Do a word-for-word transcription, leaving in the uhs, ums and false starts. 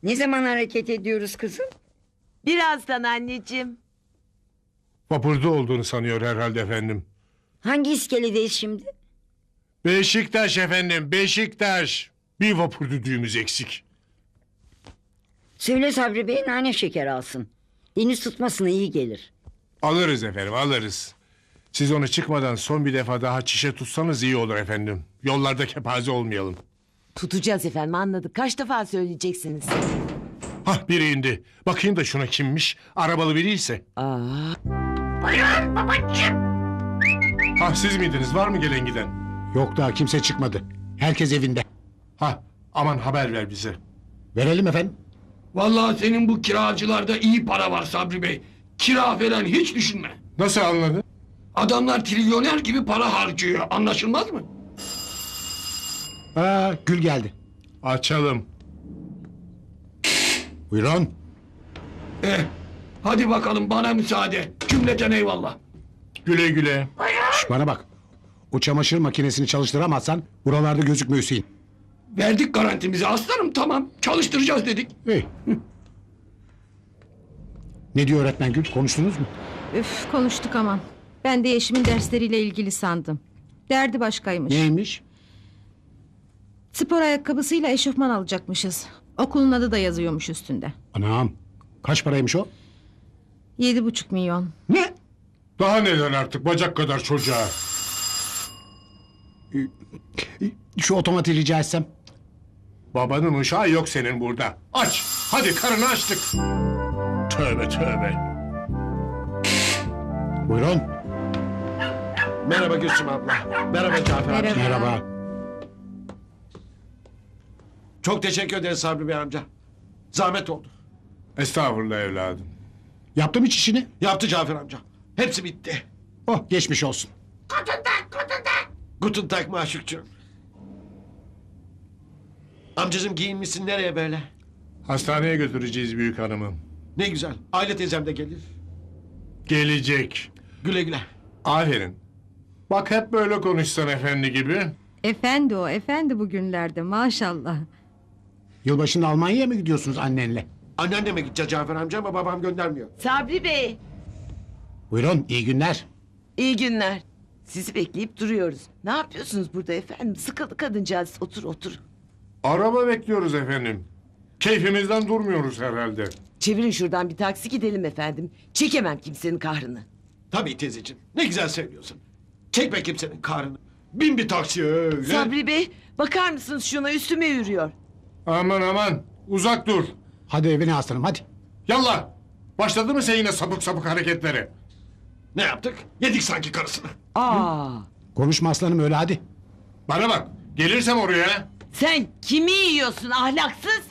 Ne zaman hareket ediyoruz kızım? Birazdan anneciğim. Vapurda olduğunu sanıyor herhalde efendim. Hangi iskeledeyiz şimdi? Beşiktaş efendim, Beşiktaş. Bir vapur düdüğümüz eksik. Söyle Sabri Bey nane şeker alsın. Deniz tutmasına iyi gelir. Alırız efendim, alırız. Siz onu çıkmadan son bir defa daha çişe tutsanız iyi olur efendim. Yollarda kepaze olmayalım. Tutacağız efendim, anladık. Kaç defa söyleyeceksiniz? Hah, biri indi. Bakayım da şuna kimmiş? Arabalı biriyse. Aa, Hah, siz miydiniz? Var mı gelen giden? Yok daha kimse çıkmadı. Herkes evinde. Hah, aman haber ver bize. Verelim efendim. Vallahi senin bu kiracılarda iyi para var Sabri Bey. Kira falan hiç düşünme. Nasıl anladın? Adamlar trilyoner gibi para harcıyor. Anlaşılmaz mı? Aa, Gül geldi. Açalım. Buyurun. Eh, hadi bakalım bana müsaade. Cümleten eyvallah. Güle güle. Şş, bana bak. O çamaşır makinesini çalıştıramazsan buralarda gözükme Hüseyin. Verdik garantimizi aslanım, tamam. Çalıştıracağız dedik. İyi. Ne diyor öğretmen Gül? Konuştunuz mu? Üf, konuştuk aman. Ben de Yeşim'in dersleriyle ilgili sandım. Derdi başkaymış. Neymiş? Spor ayakkabısıyla eşofman alacakmışız. Okulun adı da yazıyormuş üstünde. Anam. Kaç paraymış o? Yedi buçuk milyon. Ne? Daha neler artık bacak kadar çocuğa. Şu otomatiği rica etsem. Babanın uşağı yok senin burada. Aç. Hadi karını açtık. Tövbe tövbe. Buyurun. Merhaba Gülsüm abla. Merhaba Cafer amca. Merhaba. Merhaba. Çok teşekkür ederiz Sabri Bey amca. Zahmet oldu. Estağfurullah evladım. Yaptım hiç işini. Yaptı Cafer amca. Hepsi bitti. Oh geçmiş olsun. Guten Tag maşukçum. Amcacığım giyinmişsin nereye böyle? Hastaneye götüreceğiz büyük hanımı. Ne güzel. Aile teyzem de gelir. Gelecek. Güle güle. Aferin. Bak hep böyle konuşsan efendi gibi. Efendi o, efendi bugünlerde maşallah. Yılbaşında Almanya'ya mı gidiyorsunuz annenle? Anneanneme gideceğiz Cafer amca ama babam göndermiyor. Sabri Bey, Buyurun iyi günler. iyi günler. Sizi bekleyip duruyoruz. Ne yapıyorsunuz burada efendim? Sıkıldı kadıncağız. Otur otur. Araba bekliyoruz efendim. Keyfimizden durmuyoruz herhalde. Çevirin şuradan bir taksi gidelim efendim. Çekemem kimsenin kahrını. Tabii teyzeciğim. Ne güzel söylüyorsun. Çekme kimsenin karnını. Bin bir taksi öyle. Sabri Bey, bakar mısınız şuna, üstüme yürüyor. Aman aman uzak dur. Hadi evine aslanım hadi. Yallah. Başladı mı sen yine sapık sapık hareketleri? Ne yaptık? Yedik sanki karısını. Aa, Konuşma aslanım öyle hadi. Bana bak. Gelirsem oraya. sen kimi yiyorsun ahlaksız?